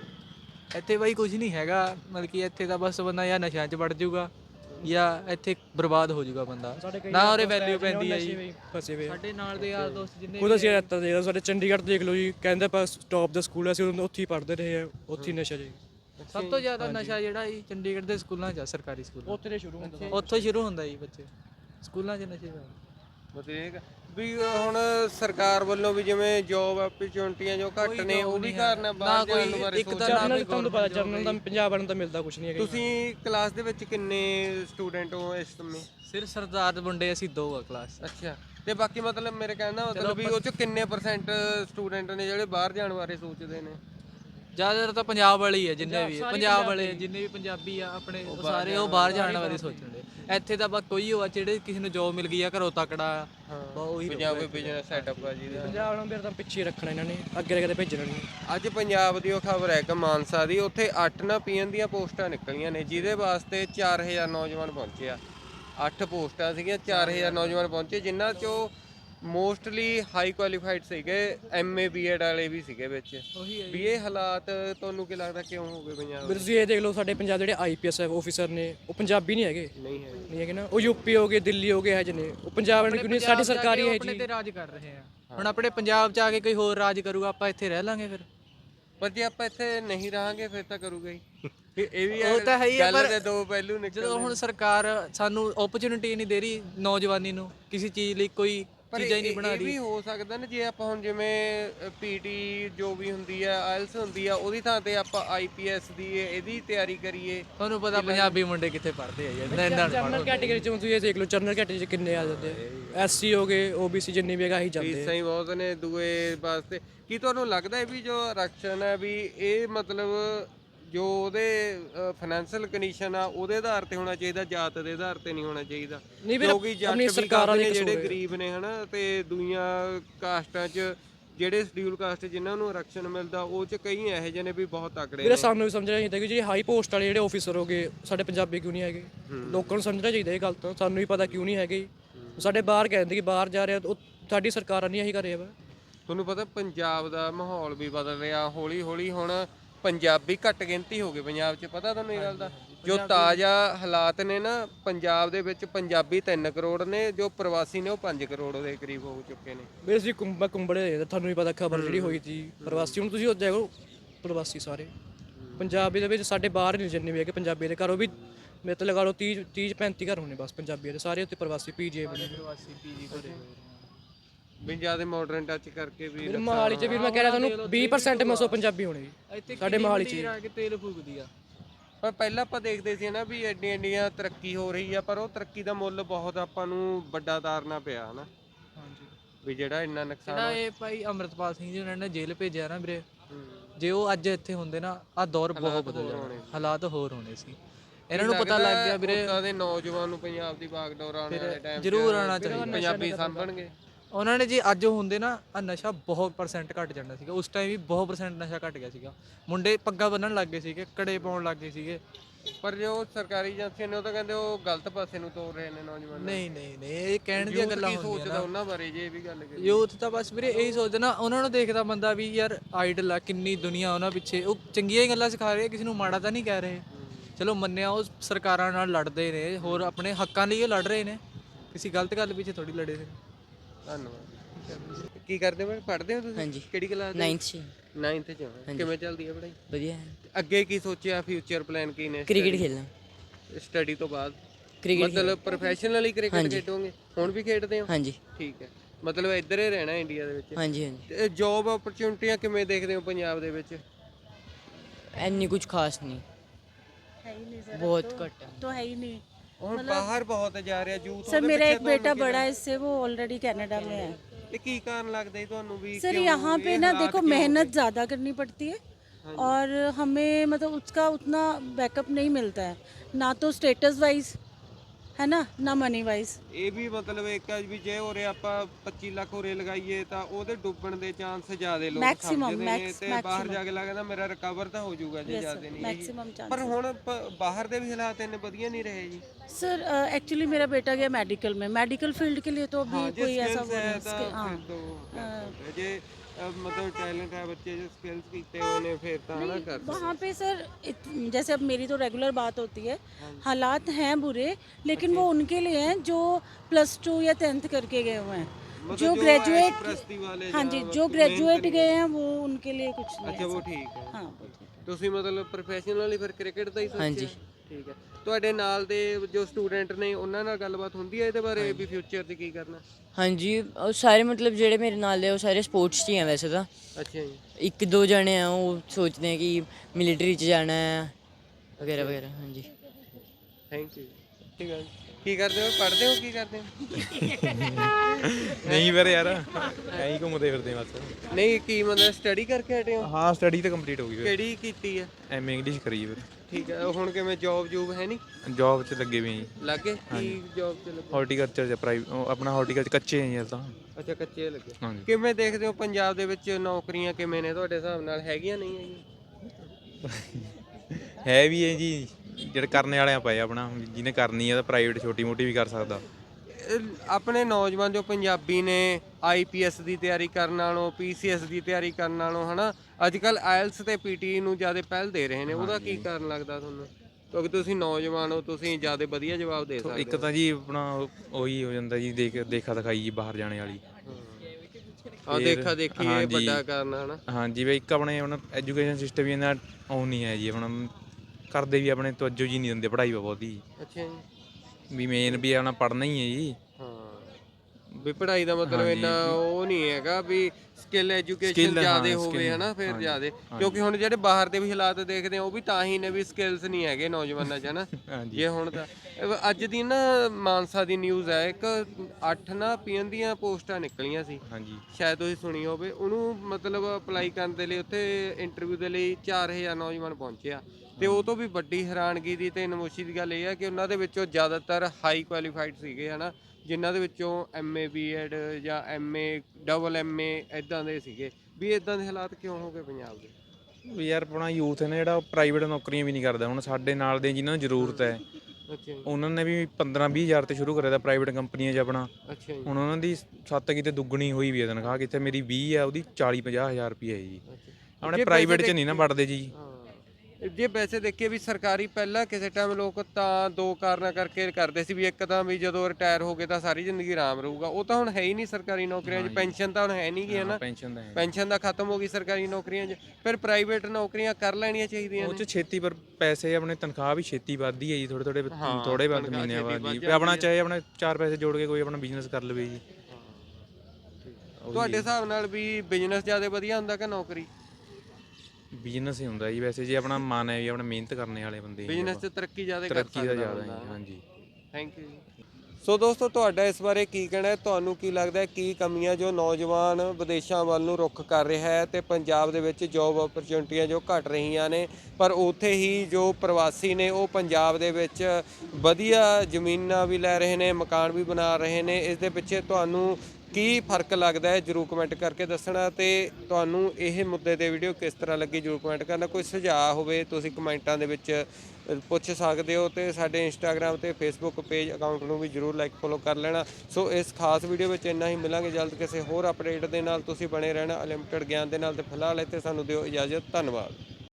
ਇੱਥੇ ਬਾਈ ਕੁਝ ਨਹੀਂ ਹੈਗਾ, ਮਤਲਬ ਕਿ ਇੱਥੇ ਤਾਂ ਬਸ ਬੰਦਾ ਜਾਂ ਨਸ਼ਿਆਂ 'ਚ ਵੜ ਜਾਊਗਾ ਜਾਂ ਇੱਥੇ ਬਰਬਾਦ ਹੋ ਜਾਊਗਾ ਬੰਦਾ, ਨਾ ਉਹਦੇ ਵੈਲਿਊ ਪੈਂਦੀ ਹੈ ਜੀ। ਫਸੇ ਹੋਏ
ਸਾਡੇ ਨਾਲ ਦੇ ਯਾਰ ਦੋਸਤ ਜਿੰਨੇ
ਖੁਦ ਅਸੀਂ ਇੱਦਾਂ ਦੇ ਸਾਡੇ ਚੰਡੀਗੜ੍ਹ ਦੇਖ ਲਓ ਜੀ, ਕਹਿੰਦੇ ਆਪਾਂ ਟੌਪ ਦਾ ਸਕੂਲ ਹੈ, ਅਸੀਂ ਉੱਥੇ ਹੀ ਪੜ੍ਹਦੇ ਰਹੇ ਹਾਂ, ਉੱਥੇ ਹੀ ਨਸ਼ਾ ਜੀ।
ਸਭ ਤੋਂ ਜ਼ਿਆਦਾ ਨਸ਼ਾ ਜਿਹੜਾ ਜੀ ਚੰਡੀਗੜ੍ਹ ਦੇ ਸਕੂਲਾਂ 'ਚ ਆ, ਸਰਕਾਰੀ ਸਕੂਲਾਂ
ਉੱਥੇ ਦੇ ਸ਼ੁਰੂ ਹੁੰਦਾ।
ਉੱਥੋਂ ਸ਼ੁਰੂ ਹੁੰਦਾ ਜੀ, ਬੱਚੇ ਸਕੂਲਾਂ 'ਚ ਨਸ਼ੇ ਦਾ।
ਮਤਲਬ ਵੀ ਹੁਣ ਸਰਕਾਰ ਵੱਲੋਂ ਵੀ ਜਿਵੇਂ ਜੌਬ ਆਪਰਚੁਨਿਟੀਆਂ ਜੋ ਘੱਟ ਨੇ, ਉਹ ਵੀ ਕਾਰਨ ਹੈ ਬਾਹਰ ਜਾਣ ਨੂੰ ਬਾਰੇ ਸੋਚ?
ਜਰਨਲ ਤੁਹਾਨੂੰ ਪਤਾ, ਜਰਨਲ ਦਾ ਪੰਜਾਬ ਵਾਲਿਆਂ ਨੂੰ ਤਾਂ ਮਿਲਦਾ ਕੁਝ ਨਹੀਂ ਹੈਗਾ।
ਤੁਸੀਂ ਕਲਾਸ ਦੇ ਵਿੱਚ ਕਿੰਨੇ ਸਟੂਡੈਂਟ ਹੋ ਇਸ ਸਮੇਂ?
ਸਿਰਫ ਸਰਦਾਰ ਦੇ ਮੁੰਡੇ ਅਸੀਂ 2 ਆ ਕਲਾਸ।
ਅੱਛਾ। ਤੇ ਬਾਕੀ ਮਤਲਬ ਮੇਰੇ ਕਹਿਣ ਦਾ ਮਤਲਬ ਵੀ ਉਹ 'ਚ ਕਿੰਨੇ % ਸਟੂਡੈਂਟ ਨੇ ਜਿਹੜੇ ਬਾਹਰ ਜਾਣ ਬਾਰੇ ਸੋਚਦੇ ਨੇ?
ਜ਼ਿਆਦਾਤਰ ਤਾਂ ਪੰਜਾਬ ਵਾਲੇ ਹੀ ਆ, ਜਿੰਨੇ ਵੀ ਪੰਜਾਬ ਵਾਲੇ, ਜਿੰਨੇ ਵੀ ਪੰਜਾਬੀ ਆ ਆਪਣੇ, ਉਹ ਸਾਰੇ ਉਹ ਬਾਹਰ ਜਾਣ ਬਾਰੇ ਸੋਚਣਦੇ। ਇੱਥੇ ਤਾਂ ਬਸ ਕੋਈ ਹੋਆ ਜਿਹੜੇ ਕਿਸੇ ਨੂੰ ਜੋਬ ਮਿਲ ਗਈ ਆ, ਘਰੋਂ ਤੱਕੜਾ ਆ, ਬਸ ਉਹੀ
ਪੰਜਾਬ ਕੋਈ ਬਿਜ਼ਨਸ ਸੈਟਅਪ ਆ ਜੀ ਦਾ।
ਪੰਜਾਬ ਵਾਲਿਆਂ ਨੂੰ ਫਿਰ ਤਾਂ ਪਿੱਛੇ ਰੱਖਣਾ ਇਹਨਾਂ ਨੇ, ਅੱਗੇ ਕਦੇ ਭੇਜਣਾ ਨਹੀਂ।
ਅੱਜ ਪੰਜਾਬ ਦੀ ਉਹ ਖਬਰ ਹੈ ਕਿ ਮਾਨਸਾ ਦੀ, ਉੱਥੇ 8 ਨਾ ਪੀਐਨ ਦੀਆਂ ਪੋਸਟਾਂ ਨਿਕਲੀਆਂ ਨੇ, ਜਿਹਦੇ ਵਾਸਤੇ 4000 ਨੌਜਵਾਨ ਪਹੁੰਚੇ ਆ। 8 ਪੋਸਟਾਂ ਸੀਗੀਆਂ, 4000 ਨੌਜਵਾਨ ਪਹੁੰਚੇ, ਜਿਨ੍ਹਾਂ 'ਚੋਂ ਮੋਸਟਲੀ ਹਾਈ ਕੁਆਲੀਫਾਈਡ ਸੀਗੇ, ਐਮਏ ਬੀਐਡ ਵਾਲੇ ਵੀ ਸੀਗੇ ਵਿੱਚ। ਵੀ ਇਹ ਹਾਲਾਤ ਤੁਹਾਨੂੰ ਕੀ ਲੱਗਦਾ ਕਿਉਂ ਹੋ ਗਏ ਪੰਜਾਬ
ਵੀਰ ਤੁਸੀਂ ਇਹ ਦੇਖ ਲਓ, ਸਾਡੇ ਪੰਜਾਬ ਜਿਹੜੇ ਆਈਪੀਐਸ ਆਫੀਸਰ ਨੇ ਉਹ ਪੰਜਾਬੀ ਨਹੀਂ ਹੈਗੇ। ਨਹੀਂ ਹੈਗੇ ਨਾ, ਉਹ ਯੂਪੀ ਹੋ ਗਏ, ਦਿੱਲੀ ਹੋ ਗਏ, ਇਹ ਜਿਹੇ ਨੇ, ਉਹ ਪੰਜਾਬ ਵਾਲੇ ਕਿਉਂ ਨਹੀਂ? ਸਾਡੀ ਸਰਕਾਰੀ ਹੈ
ਆਪਣੇ
ਜੀ।
ਤੇ ਰਾਜ ਕਰ ਰਹੇ ਆ। ਹੁਣ ਆਪਣੇ ਪੰਜਾਬ 'ਚ ਆ ਕੇ ਕੋਈ ਹੋਰ ਰਾਜ ਕਰੂਗਾ, ਆਪਾਂ ਇੱਥੇ ਰਹਿ ਲਾਂਗੇ ਫਿਰ?
ਪਰ ਜੇ ਆਪਾਂ ਇੱਥੇ ਨਹੀਂ ਰਹਾਂਗੇ ਫਿਰ ਤਾਂ ਕਰੂਗਾ ਹੀ। ਇਹ ਵੀ
ਉਹ ਤਾਂ ਹੈ ਹੀ ਆ,
ਗੱਲ
ਪਰ
ਦੇ ਦੋ ਪਹਿਲੂ ਨਿਕਲਦੇ।
ਜਦੋਂ ਹੁਣ ਸਰਕਾਰ ਸਾਨੂੰ ਓਪਰਚੁਨਿਟੀ ਨਹੀਂ ਦੇ ਰਹੀ ਨੌਜਵਾਨੀ ਨੂੰ, ਕਿਸੇ ਚੀਜ਼ ਲਈ ਕੋਈ ਚੀਜ਼ਾਂ ਹੀ ਨਹੀਂ ਬਣਾ
ਇਹ
ਰਹੀ।
ਵੀ ਹੋ ਸਕਦਾ ਨਾ, ਜੇ ਆਪਾਂ ਹੁਣ ਜਿਵੇਂ ਪੀਟੀ ਜੋ ਵੀ ਹੁੰਦੀ ਆ, ਆਇਲਸ ਹੁੰਦੀ ਆ, ਉਹਦੀ ਥਾਂ ਤੇ ਆਪਾਂ ਆਈਪੀਐਸ ਦੀ ਇਹਦੀ ਤਿਆਰੀ ਕਰੀਏ।
ਤੁਹਾਨੂੰ ਪਤਾ ਪੰਜਾਬੀ ਮੁੰਡੇ ਕਿੱਥੇ ਪੜ੍ਹਦੇ ਆ ਯਾਰ,
ਜਨਰਲ ਕੈਟੇਗਰੀ ਚ ਤੁਸੀਂ ਇਹ ਦੇਖ ਲਓ, ਜਨਰਲ ਕੈਟੇਗਰੀ ਚ ਕਿੰਨੇ ਆ ਜਾਂਦੇ ਆ, ਐਸਸੀ ਹੋ ਗਏ, ਓਬੀਸੀ ਜਿੰਨੇ ਵੀ ਹੈਗਾ ਹੀ ਜਾਂਦੇ
ਫੀਸਾਂ ਹੀ ਬਹੁਤ ਨੇ ਦੂਏ ਵਾਸਤੇ। ਕੀ ਤੁਹਾਨੂੰ ਲੱਗਦਾ ਹੈ ਵੀ ਜੋ ਆਰਕਸ਼ਣ ਹੈ ਵੀ ਇਹ ਮਤਲਬ ਜੋ ਉਹਦੇ ਫਾਈਨੈਂਸ਼ੀਅਲ ਕੰਡੀਸ਼ਨ ਆ ਉਹਦੇ ਆਧਾਰ ਤੇ ਹੋਣਾ ਚਾਹੀਦਾ, ਜਾਤ ਦੇ ਆਧਾਰ ਤੇ ਨਹੀਂ ਹੋਣਾ ਚਾਹੀਦਾ? ਕਿਉਂਕਿ ਜੱਟ ਵੀ ਕਾਫੀ ਨੇ ਜਿਹੜੇ ਗਰੀਬ ਨੇ ਹਨਾ, ਤੇ ਦੂਈਆਂ ਕਾਸਟਾਂ 'ਚ ਜਿਹੜੇ ਸ਼ਡਿਊਲ ਕਾਸਟ ਜਿਨ੍ਹਾਂ ਨੂੰ ਆਰਕਸ਼ਣ ਮਿਲਦਾ, ਉਹ 'ਚ ਕਈ ਇਹੋ ਜਿਹੇ ਨੇ ਵੀ ਬਹੁਤ ਤਕੜੇ ਨੇ।
ਵੀਰੇ ਸਾਨੂੰ ਵੀ ਸਮਝਣਾ ਚਾਹੀਦਾ ਕਿ ਜੇ ਹਾਈ ਪੋਸਟ ਵਾਲੇ ਜਿਹੜੇ ਆਫੀਸਰ ਹੋਗੇ, ਸਾਡੇ ਪੰਜਾਬੀ ਕਿਉਂ ਨਹੀਂ ਹੈਗੇ? ਲੋਕਾਂ ਨੂੰ ਸਮਝਣਾ ਚਾਹੀਦਾ ਇਹ ਗੱਲ ਤਾਂ, ਸਾਨੂੰ ਵੀ ਪਤਾ ਕਿਉਂ ਨਹੀਂ ਹੈਗੇ। ਸਾਡੇ ਬਾਹਰ ਕਹਿੰਦੇ ਕਿ ਬਾਹਰ ਜਾ ਰਿਹਾ, ਉਹ ਸਾਡੀ ਸਰਕਾਰਾਂ ਨਹੀਂ ਇਹੀ ਕਰ ਰਿਹਾ ਵਾ।
ਤੁਹਾਨੂੰ ਪਤਾ ਪੰਜਾਬ ਦਾ ਮਾਹੌਲ ਵੀ ਬਦਲ ਰਿਹਾ ਹੌਲੀ ਹੌਲੀ। ਹੁਣ ਪੰਜਾਬੀ ਘੱਟ ਗਿਣਤੀ ਹੋ ਗਏ ਪੰਜਾਬ 'ਚ, ਪਤਾ ਤੁਹਾਨੂੰ ਇਹ ਗੱਲ ਦਾ? ਜੋ ਤਾਜ਼ਾ ਹਾਲਾਤ ਨੇ ਨਾ ਪੰਜਾਬ ਦੇ ਵਿੱਚ, ਪੰਜਾਬੀ 3 ਕਰੋੜ ਨੇ, ਜੋ ਪ੍ਰਵਾਸੀ ਨੇ ਉਹ 5 ਕਰੋੜ ਦੇ ਕਰੀਬ ਹੋ ਚੁੱਕੇ ਨੇ।
ਵੀਰੇ ਅਸੀਂ ਕੁੰਬੜੇ ਤੁਹਾਨੂੰ ਵੀ ਪਤਾ ਖਬਰ ਜਿਹੜੀ ਹੋਈ ਸੀ ਪ੍ਰਵਾਸੀ, ਹੁਣ ਤੁਸੀਂ ਉੱਥੇ ਦੇਖੋ ਪ੍ਰਵਾਸੀ ਸਾਰੇ ਪੰਜਾਬੀ ਦੇ ਵਿੱਚ ਸਾਡੇ ਬਾਹਰ ਨਹੀਂ ਜਿੰਨੇ ਵੀ ਹੈਗੇ ਪੰਜਾਬੀ ਦੇ ਘਰ, ਉਹ ਵੀ ਮੇਰੇ ਤੋਂ ਲਗਾ ਲਓ 30 35 ਘਰ ਹੋਣੇ ਬਸ ਪੰਜਾਬੀ ਦੇ, ਸਾਰੇ ਉੱਤੇ ਪ੍ਰਵਾਸੀ ਪੀਜੀ ਬਣੇ ਪ੍ਰਵਾਸੀ ਪੀਜੀ ਘਰੇ
ਵੀ ਜਿਆਦਾ ਮਾਡਰਨ ਟੱਚ ਕਰਕੇ ਵੀ
ਵੀਰ ਮੋਹਾਲੀ 'ਚ ਵੀਰ ਮੈਂ ਕਹਿ ਰਿਹਾ ਤੁਹਾਨੂੰ 20% ਮਸੋ ਪੰਜਾਬੀ ਹੋਣੇ ਜੀ ਸਾਡੇ ਮੋਹਾਲੀ 'ਚ ਤੇਲ ਫੂਕਦੀ ਆ।
ਪਰ ਪਹਿਲਾਂ ਆਪਾਂ ਦੇਖਦੇ ਸੀ ਨਾ ਵੀ ਐਡੀਆਂ ਤਰੱਕੀ ਹੋ ਰਹੀ ਆ, ਪਰ ਉਹ ਤਰੱਕੀ ਦਾ ਮੁੱਲ ਬਹੁਤ ਆਪਾਂ ਨੂੰ ਵੱਡਾ ਤਾਰਨਾ ਪਿਆ ਹਨਾ।
ਹਾਂਜੀ
ਵੀ ਜਿਹੜਾ ਇੰਨਾ ਨੁਕਸਾਨ
ਜਿਹੜਾ ਇਹ ਭਾਈ ਅੰਮ੍ਰਿਤਪਾਲ ਸਿੰਘ ਜੀ ਉਹਨਾਂ ਨੇ ਜੇਲ੍ਹ ਭੇਜਿਆ ਨਾ ਵੀਰੇ, ਜੇ ਉਹ ਅੱਜ ਇੱਥੇ ਹੁੰਦੇ ਨਾ ਆਹ ਦੌਰ ਬਹੁਤ ਬਦਲ ਜਾਣਾ, ਹਾਲਾਤ ਹੋਰ ਹੋਣੇ ਸੀ। ਇਹਨਾਂ ਨੂੰ ਪਤਾ ਲੱਗ ਗਿਆ ਵੀਰੇ
ਉਹਨਾਂ ਦੇ ਨੌਜਵਾਨ ਨੂੰ ਪੰਜਾਬ ਦੀ ਬਾਗਡੋਰ ਆਉਣ ਵਾਲੇ ਟਾਈਮ
ਜ਼ਰੂਰ ਆਉਣਾ ਚਾਹੀਦਾ।
ਪੰਜਾਬੀ ਸਾਂਭਣਗੇ
ਉਹਨਾਂ ਨੇ ਜੇ ਅੱਜ ਹੁੰਦੇ ਨਾ ਆ ਨਸ਼ਾ ਬਹੁਤ % ਘਟ ਜਾਣਾ ਸੀਗਾ, ਉਸ ਟਾਈਮ ਵੀ ਬਹੁਤ % ਨਸ਼ਾ ਘਟ ਗਿਆ ਸੀਗਾ, ਮੁੰਡੇ ਪੱਗਾਂ ਬੰਨਣ ਲੱਗ ਗਏ ਸੀਗੇ, ਕੜੇ ਪਾਉਣ ਲੱਗ ਗਏ ਸੀਗੇ।
ਪਰ ਜੋ ਸਰਕਾਰੀ ਏਜੰਸੀਆਂ ਨੇ ਉਹ ਤਾਂ ਕਹਿੰਦੇ ਉਹ ਗਲਤ ਪਾਸੇ ਨੂੰ ਤੋਰ ਰਹੇ ਨੇ ਨੌਜਵਾਨ।
ਨਹੀਂ ਇਹ ਕਹਿਣ ਦੀਆਂ ਗੱਲਾਂ ਹੁੰਦੀਆਂ
ਸੋਚਦਾ ਉਹਨਾਂ ਬਾਰੇ ਜੇ ਇਹ ਵੀ ਗੱਲ ਕਰੀ।
ਯੂਥ ਤਾਂ ਬਸ ਵੀਰੇ ਇਹੀ ਸੋਚਦਾ, ਉਹਨਾਂ ਨੂੰ ਦੇਖਦਾ ਬੰਦਾ ਵੀ ਯਾਰ ਆਈਡਲ ਆ, ਕਿੰਨੀ ਦੁਨੀਆ ਉਹਨਾਂ ਪਿੱਛੇ, ਉਹ ਚੰਗੀਆਂ ਹੀ ਗੱਲਾਂ ਸਿਖਾ ਰਹੇ, ਕਿਸੇ ਨੂੰ ਮਾੜਾ ਤਾਂ ਨਹੀਂ ਕਹਿ ਰਹੇ। ਚਲੋ ਮੰਨਿਆ ਉਹ ਸਰਕਾਰਾਂ ਨਾਲ ਲੜਦੇ ਨੇ, ਹੋਰ ਆਪਣੇ ਹੱਕਾਂ ਲਈ ਲੜ ਰਹੇ ਨੇ, ਕਿਸੇ ਗਲਤ ਗੱਲ ਪਿੱਛੇ ਥੋੜੀ ਲੜੇ ਨੇ।
ਧੰਨਵਾਦ। ਕੀ ਕਰਦੇ ਹੋ? ਪੜ੍ਹਦੇ ਹੋ ਤੁਸੀਂ?
ਹਾਂਜੀ।
ਕਿਹੜੀ ਕਲਾਸ? 9th ਚ। ਕਿਵੇਂ ਚੱਲਦੀ ਹੈ ਪੜ੍ਹਾਈ?
ਵਧੀਆ ਹੈ।
ਅੱਗੇ ਕੀ ਸੋਚਿਆ, ਫਿਊਚਰ ਪਲਾਨ ਕੀ ਨੇ?
ਕ੍ਰਿਕਟ ਖੇਲਣਾ।
ਸਟੱਡੀ ਤੋਂ ਬਾਅਦ
ਕ੍ਰਿਕਟ
ਮਤਲਬ ਪ੍ਰੋਫੈਸ਼ਨਲੀ ਕ੍ਰਿਕਟ ਖੇਡੋਗੇ? ਹੁਣ ਵੀ ਖੇਡਦੇ ਹੋ?
ਹਾਂਜੀ
ਠੀਕ ਹੈ, ਮਤਲਬ ਇੱਧਰ ਹੀ ਰਹਿਣਾ ਇੰਡੀਆ ਦੇ ਵਿੱਚ?
ਹਾਂਜੀ।
ਤੇ ਜੌਬ ਓਪਰਚੁਨਿਟੀਆਂ ਕਿਵੇਂ ਦੇਖਦੇ ਹੋ ਪੰਜਾਬ ਦੇ ਵਿੱਚ?
ਇੰਨੀ ਕੁਝ ਖਾਸ ਨਹੀਂ, बहुत घट है।
तो है ही नहीं।
ਹੁਣ ਬਾਹਰ ਬਹੁਤ ਜਾ ਰਿਹਾ ਯੂਥ।
सर मेरा एक बेटा बड़ा है, इससे वो ऑलरेडी कनाडा में है।
ਇਹ ਕੀ ਕਾਰਨ ਲੱਗਦਾ ਹੈ ਤੁਹਾਨੂੰ ਵੀ?
सर यहाँ पे ना देखो मेहनत ज़्यादा करनी पड़ती है और हमें मतलब उसका उतना बैकअप नहीं मिलता है, ना तो स्टेटस वाइज है ना, ना मनी वाइज।
ਇਹ ਵੀ ਮਤਲਬ ਇੱਕ ਆ ਵੀ ਜੇ ਉਰੇ ਆਪਾਂ 25 ਲੱਖ ਉਰੇ ਲਗਾਈਏ ਤਾਂ ਉਹਦੇ ਡੁੱਬਣ ਦੇ ਚਾਂਸ ਜ਼ਿਆਦੇ ਲੋਕ ਸਮਝਦੇ ਨੇ, ਤੇ ਬਾਹਰ ਜਾ ਕੇ ਲੱਗਦਾ ਮੇਰਾ ਰਿਕਵਰ ਤਾਂ ਹੋ ਜਾਊਗਾ ਜੇ ਜ਼ਿਆਦੇ ਨਹੀਂ।
Maximum chance.
ਪਰ ਹੁਣ ਬਾਹਰ ਦੇ ਵੀ ਹਾਲਾਤ ਇੰਨੇ ਵਧੀਆ ਨਹੀਂ ਰਹੇ ਜੀ।
सर एक्चुअली मेरा बेटा गया मेडिकल में, मेडिकल फील्ड के लिए तो अभी कोई ऐसा वो नहीं। हाँ
ਜੇ मतलब टैलेंट है बच्चे जो स्किल्स ਕੀਤੇ ਹੋਏ ਨੇ ਫਿਰ ਤਾਂ ਨਾ ਕਰ
वहाँ पे सर जैसे अब मेरी तो रेगुलर बात होती है, हालात हैं बुरे, लेकिन वो उनके लिए हैं जो +2 या 10th करके गए हुए हैं, जो ग्रेजुएट। हाँ जी, जो ग्रेजुएट गए हैं वो उनके लिए कुछ नहीं।
अच्छा वो ठीक है।
हाँ वो ठीक है।
ਤੁਸੀਂ ਮਤਲਬ ਪ੍ਰੋਫੈਸ਼ਨਲੀ ਫਿਰ ਕ੍ਰਿਕਟ ਦਾ ਹੀ ਸੋਚਿਆ?
ਹਾਂਜੀ।
ਠੀਕ ਹੈ। ਤੁਹਾਡੇ ਨਾਲ ਦੇ ਜੋ ਸਟੂਡੈਂਟ ਨੇ ਉਹਨਾਂ ਨਾਲ ਗੱਲਬਾਤ ਹੁੰਦੀ ਹੈ ਇਹਦੇ ਬਾਰੇ ਵੀ ਫਿਊਚਰ 'ਚ ਕੀ ਕਰਨਾ?
ਹਾਂਜੀ, ਉਹ ਸਾਰੇ ਮਤਲਬ ਜਿਹੜੇ ਮੇਰੇ ਨਾਲ ਦੇ ਉਹ ਸਾਰੇ ਸਪੋਰਟਸ 'ਚ ਹੀ ਆ ਵੈਸੇ ਤਾਂ।
ਅੱਛਾ ਜੀ।
1-2 ਜਣੇ ਆ ਉਹ ਸੋਚਦੇ ਆ ਕਿ ਮਿਲਟਰੀ 'ਚ ਜਾਣਾ ਹੈ ਵਗੈਰਾ ਵਗੈਰਾ। ਹਾਂਜੀ
ਥੈਂਕ ਯੂ। ਠੀਕ ਹੈ। ਕੀ ਕਰਦੇ ਹੋ? ਪੜ੍ਹਦੇ ਹੋ? ਕੀ ਕਰਦੇ ਹੋ?
ਨਹੀਂ ਵੀਰੇ ਯਾਰ ਐਂ ਹੀ ਘੁੰਮਦੇ ਫਿਰਦੇ ਬਸ।
ਨਹੀਂ ਕੀ ਮਤਲਬ ਸਟੱਡੀ ਕਰਕੇ ਹਟੇ ਹੋ?
ਹਾਂ ਸਟੱਡੀ ਤਾਂ ਕੰਪਲੀਟ ਹੋ ਗਈ ਵੀਰੇ।
ਕਿਹੜੀ ਕੀਤੀ ਹੈ?
ਐਮ ਇੰਗਲਿਸ਼ ਕਰੀ ਵੀਰੇ।
ਠੀਕ ਹੈ। ਹੁਣ ਕਿਵੇਂ ਜੌਬ ਜੂਬ ਹੈ ਨਹੀਂ?
ਜੌਬ 'ਚ ਲੱਗੇ ਵੀ ਜੀ।
ਲੱਗੇ? ਕੀ ਜੌਬ 'ਚ ਲੱਗੇ?
ਹਾਰਟੀਕਲਚਰ 'ਚ ਆਪਣਾ ਹਾਰਟੀਕਲਚਰ ਕੱਚੇ ਆ ਜੀ ਤਾਂ।
ਅੱਛਾ ਕੱਚੇ ਲੱਗੇ।
ਹਾਂਜੀ।
ਕਿਵੇਂ ਦੇਖਦੇ ਹੋ ਪੰਜਾਬ ਦੇ ਵਿੱਚ ਨੌਕਰੀਆਂ ਕਿਵੇਂ ਨੇ ਤੁਹਾਡੇ ਹਿਸਾਬ ਨਾਲ, ਹੈਗੀਆਂ ਨਹੀਂ ਹੈਗੀਆਂ?
ਹੈ ਵੀ ਹੈ ਜੀ, ਜਿਹੜੇ ਕਰਨੇ ਵਾਲਿਆਂ ਪਏ ਆਪਣਾ, ਜਿਹਨੇ ਕਰਨੀ ਆ ਤਾਂ ਪ੍ਰਾਈਵੇਟ ਛੋਟੀ ਮੋਟੀ ਵੀ ਕਰ ਸਕਦਾ।
ਆਪਣੇ ਨੌਜਵਾਨ ਜੋ ਪੰਜਾਬੀ ਨੇ IPS ਦੀ ਤਿਆਰੀ ਕਰਨ ਨਾਲੋਂ PCS ਦੀ ਤਿਆਰੀ ਕਰਨ ਨਾਲੋਂ ਹਨਾ ਅੱਜ ਕੱਲ IELTS ਤੇ PT ਨੂੰ ਜ਼ਿਆਦਾ ਪਹਿਲ ਦੇ ਰਹੇ ਨੇ, ਉਹਦਾ ਕੀ ਕਾਰਨ ਲੱਗਦਾ ਤੁਹਾਨੂੰ? ਕਿਉਂਕਿ ਤੁਸੀਂ ਨੌਜਵਾਨ ਹੋ, ਤੁਸੀਂ ਜ਼ਿਆਦਾ ਵਧੀਆ ਜਵਾਬ ਦੇ ਸਕਦੇ
ਇੱਕ ਤਾਂ ਜੀ ਆਪਣਾ ਉਹੀ ਹੋ ਜਾਂਦਾ ਜੀ ਦੇਖਾ ਦਿਖਾਈ ਜੀ ਬਾਹਰ ਜਾਣੇ ਵਾਲੀ।
ਆ ਦੇਖਾ ਦੇਖੀ ਇਹ ਵੱਡਾ ਕਾਰਨ ਹਨਾ।
ਹਾਂਜੀ ਬਈ ਇੱਕ ਆਪਣੇ ਹੁਣ ਐਜੂਕੇਸ਼ਨ ਸਿਸਟਮ ਵੀ ਇਹਨਾਂ ਆਉਂ ਨਹੀਂ ਹੈ ਜੀ, ਆਪਣਾ ਕਰਦੇ ਵੀ ਆਪਣੇ ਤਵੱਜੋ ਜੀ ਨਹੀਂ ਦਿੰਦੇ ਪੜ੍ਹਾਈ ਬਹੁਤੀ।
ਅੱਛਾ ਜੀ।
ਵੀ ਮੇਨ ਵੀ ਆਪਣਾ ਪੜ੍ਹਨਾ ਹੀ ਹੈ ਜੀ।
ਹਾਂ ਵੀ ਪੜ੍ਹਾਈ ਦਾ ਮਤਲਬ ਇੰਨਾ ਉਹ ਨਹੀਂ ਹੈਗਾ ਵੀ ਸਕਿੱਲ ਐਜੂਕੇਸ਼ਨ ਜ਼ਿਆਦਾ ਹੋਵੇ ਹਨਾ, ਫਿਰ ਜ਼ਿਆਦਾ। ਕਿਉਂਕਿ ਹੁਣ ਜਿਹੜੇ ਬਾਹਰ ਦੇ ਵੀ ਹਾਲਾਤ ਦੇਖਦੇ ਆ ਉਹ ਵੀ ਤਾਂ ਹੀ ਨੇ ਵੀ ਸਕਿੱਲਸ ਨਹੀਂ ਹੈਗੇ ਨੌਜਵਾਨਾਂ 'ਚ ਹਨਾ। ਜੇ ਹੁਣ ਤਾਂ ਅੱਜ ਦੀ ਨਾ ਮਾਨਸਾ ਦੀ ਨਿਊਜ਼ ਹੈ, ਇੱਕ 8 ਨਾ PN ਦੀਆਂ ਪੋਸਟਾਂ ਨਿਕਲੀਆਂ ਸੀ।
ਹਾਂਜੀ
ਸ਼ਾਇਦ ਤੁਸੀਂ ਸੁਣੀ ਹੋਵੇ। ਉਹਨੂੰ ਮਤਲਬ ਅਪਲਾਈ ਕਰਨ ਦੇ ਲਈ ਉੱਥੇ ਇੰਟਰਵਿਊ ਦੇ ਲਈ 4000 ਨੌਜਵਾਨ ਪਹੁੰਚਿਆ, ਤੇ ਉਹ ਤੋਂ ਵੀ ਵੱਡੀ ਹੈਰਾਨਗੀ ਦੀ ਤੇ ਨਮੋਸ਼ੀ ਦੀ ਗੱਲ ਇਹ ਹੈ ਕਿ ਉਹਨਾਂ ਦੇ ਵਿੱਚੋਂ ਜ਼ਿਆਦਾਤਰ ਹਾਈ ਕੁਆਲੀਫਾਈਡ ਸੀਗੇ ਹਨਾ, ਜਿਨ੍ਹਾਂ ਦੇ ਵਿੱਚੋਂ MA BEd ਜਾਂ MA MA ਇੱਦਾਂ ਦੇ ਸੀਗੇ। ਵੀ ਇੱਦਾਂ ਦੇ ਹਾਲਾਤ ਕਿਉਂ ਹੋ ਗਏ ਪੰਜਾਬ ਦੇ?
ਵੀ ਯਾਰ ਆਪਣਾ ਯੂਥ ਹੈ ਨਾ ਜਿਹੜਾ ਪ੍ਰਾਈਵੇਟ ਨੌਕਰੀਆਂ ਵੀ ਨਹੀਂ ਕਰਦਾ। ਹੁਣ ਸਾਡੇ ਨਾਲ ਦੇ ਜਿਨ੍ਹਾਂ ਨੂੰ ਜ਼ਰੂਰਤ ਹੈ
ਅੱਛਾ ਜੀ।
ਉਹਨਾਂ ਨੇ ਵੀ 15-20 ਹਜ਼ਾਰ ਤੇ ਸ਼ੁਰੂ ਕਰਿਆ ਦਾ ਪ੍ਰਾਈਵੇਟ ਕੰਪਨੀਆਂ 'ਚ ਆਪਣਾ।
ਅੱਛਾ ਜੀ।
ਹੁਣ ਉਹਨਾਂ ਦੀ 7 ਕਿਤੇ ਦੁੱਗਣੀ ਹੋਈ ਵੀ ਹੈ ਤਨਖਾਹ, ਕਿਤੇ ਮੇਰੀ 20 ਆ ਉਹਦੀ 40-50 ਹਜ਼ਾਰ ਰੁਪਏ ਹੈ ਜੀ। ਆਪਣੇ ਪ੍ਰਾਈਵੇਟ 'ਚ ਨਹੀਂ ਨਾ ਵੜਦੇ ਜੀ।
ਜੇ ਵੈਸੇ ਦੇਖੀਏ ਵੀ ਸਰਕਾਰੀ ਪਹਿਲਾਂ ਕਿਸੇ ਟਾਈਮ ਲੋਕ ਤਾਂ ਦੋ ਕਾਰਨਾਂ ਕਰਕੇ ਕਰਦੇ ਸੀ, ਵੀ ਇੱਕ ਤਾਂ ਵੀ ਜਦੋਂ ਰਿਟਾਇਰ ਹੋ ਗਏ ਤਾਂ ਸਾਰੀ ਜ਼ਿੰਦਗੀ ਆਰਾਮ ਰਹੂਗਾ, ਉਹ ਤਾਂ ਹੁਣ ਹੈ ਹੀ ਨਹੀਂ ਸਰਕਾਰੀ ਨੌਕਰੀਆਂ 'ਚ। ਪੈਨਸ਼ਨ ਤਾਂ ਹੁਣ ਹੈ ਨਹੀਂ ਗੀ, ਹੈ ਨਾ, ਪੈਨਸ਼ਨ ਦਾ ਖਤਮ ਹੋ ਗਈ ਸਰਕਾਰੀ ਨੌਕਰੀਆਂ 'ਚ। ਫਿਰ ਪ੍ਰਾਈਵੇਟ ਨੌਕਰੀਆਂ ਕਰ ਲੈਣੀਆਂ ਚਾਹੀਦੀਆਂ
ਉਹ
ਨੇ।
'ਚ ਛੇਤੀ ਪਰ ਪੈਸੇ ਆਪਣੇ ਤਨਖਾਹ ਵੀ ਛੇਤੀ ਵੱਧਦੀ ਹੈ ਜੀ, ਥੋੜੇ ਬੰਦ ਮਹੀਨਿਆਂ ਬਾਅਦ ਜੀ। ਆਪਣਾ ਚਾਹੇ ਆਪਣਾ 4 ਪੈਸੇ ਜੋੜ ਕੇ ਕੋਈ ਆਪਣਾ ਬਿਜ਼ਨਸ ਕਰ ਲਵੇ ਜੀ।
ਤੁਹਾਡੇ ਹਿਸਾਬ ਨਾਲ ਵੀ ਬਿਜ਼ਨਸ ਜ਼ਿਆਦਾ ਵਧੀਆ ਹੁੰਦਾ ਕਿ ਨੌਕਰੀ?
ਬਿਜ਼ਨਸ ਹੀ ਹੁੰਦਾ ਜੀ ਵੈਸੇ, ਜੇ ਆਪਣਾ ਮਨ ਹੈ ਵੀ ਆਪਣਾ ਮਿਹਨਤ ਕਰਨੇ ਵਾਲੇ ਬੰਦੇ।
ਬਿਜ਼ਨਸ 'ਚ ਤਰੱਕੀ ਜ਼ਿਆਦਾ ਕਰ
ਤਰੱਕੀ ਦਾ
ਸਕਦਾ
ਜ਼ਿਆਦਾ
ਬੰਦਾ।
ਜੀ। ਹਾਂਜੀ,
ਥੈਂਕ ਯੂ ਜੀ। ਸੋ ਦੋਸਤੋ, ਤੁਹਾਡਾ ਇਸ ਬਾਰੇ ਕੀ ਕਹਿਣਾ ਹੈ? ਤੁਹਾਨੂੰ ਕੀ ਲੱਗਦਾ ਹੈ ਕੀ ਕਮੀਆਂ ਜੋ ਨੌਜਵਾਨ ਵਿਦੇਸ਼ਾਂ ਵੱਲ ਨੂੰ ਰੁੱਖ ਕਰ ਰਿਹਾ ਹੈ ਤੇ ਪੰਜਾਬ ਦੇ ਵਿੱਚ ਜੌਬ ਓਪਰਚੁਨਿਟੀਆਂ ਜੋ ਘਟ ਰਹੀਆਂ ਨੇ, ਪਰ ਉੱਥੇ ਹੀ ਜੋ ਪ੍ਰਵਾਸੀ ਨੇ ਉਹ ਪੰਜਾਬ ਦੇ ਵਿੱਚ ਵਧੀਆ ਜ਼ਮੀਨਾਂ ਵੀ ਲੈ ਰਹੇ ਨੇ, ਮਕਾਨ ਵੀ ਬਣਾ ਰਹੇ ਨੇ। ਇਸ ਦੇ ਪਿੱਛੇ ਤੁਹਾਨੂੰ ਕੀ ਫਰਕ ਲੱਗਦਾ ਹੈ ਜ਼ਰੂਰ ਕਮੈਂਟ ਕਰਕੇ ਦੱਸਣਾ। ਤੇ ਤੁਹਾਨੂੰ ਇਹ ਮੁੱਦੇ 'ਤੇ ਵੀਡੀਓ ਕਿਸ ਤਰ੍ਹਾਂ ਲੱਗੀ ਜ਼ਰੂਰ ਕਮੈਂਟ ਕਰਨਾ। ਕੋਈ ਸੁਝਾਅ ਹੋਵੇ ਤੁਸੀਂ ਕਮੈਂਟਾਂ ਦੇ ਵਿੱਚ ਪੁੱਛ ਸਕਦੇ ਹੋ, ਤੇ ਸਾਡੇ ਇੰਸਟਾਗ੍ਰਾਮ ਤੇ ਫੇਸਬੁੱਕ ਪੇਜ ਅਕਾਊਂਟ ਨੂੰ ਵੀ ਜ਼ਰੂਰ ਲਾਈਕ ਫੋਲੋ ਕਰ ਲੈਣਾ। ਸੋ ਇਸ ਖਾਸ ਵੀਡੀਓ ਵਿੱਚ ਇੰਨਾ ਹੀ, ਮਿਲਾਂਗੇ ਜਲਦ ਕਿਸੇ ਹੋਰ ਅਪਡੇਟ ਦੇ ਨਾਲ। ਤੁਸੀਂ ਬਣੇ ਰਹਿਣਾ ਅਨਲਿਮਟਿਡ ਗਿਆਨ ਦੇ ਨਾਲ, ਤੇ ਫਿਲਹਾਲ ਇੱਥੇ ਸਾਨੂੰ ਦਿਓ ਇਜਾਜ਼ਤ। ਧੰਨਵਾਦ।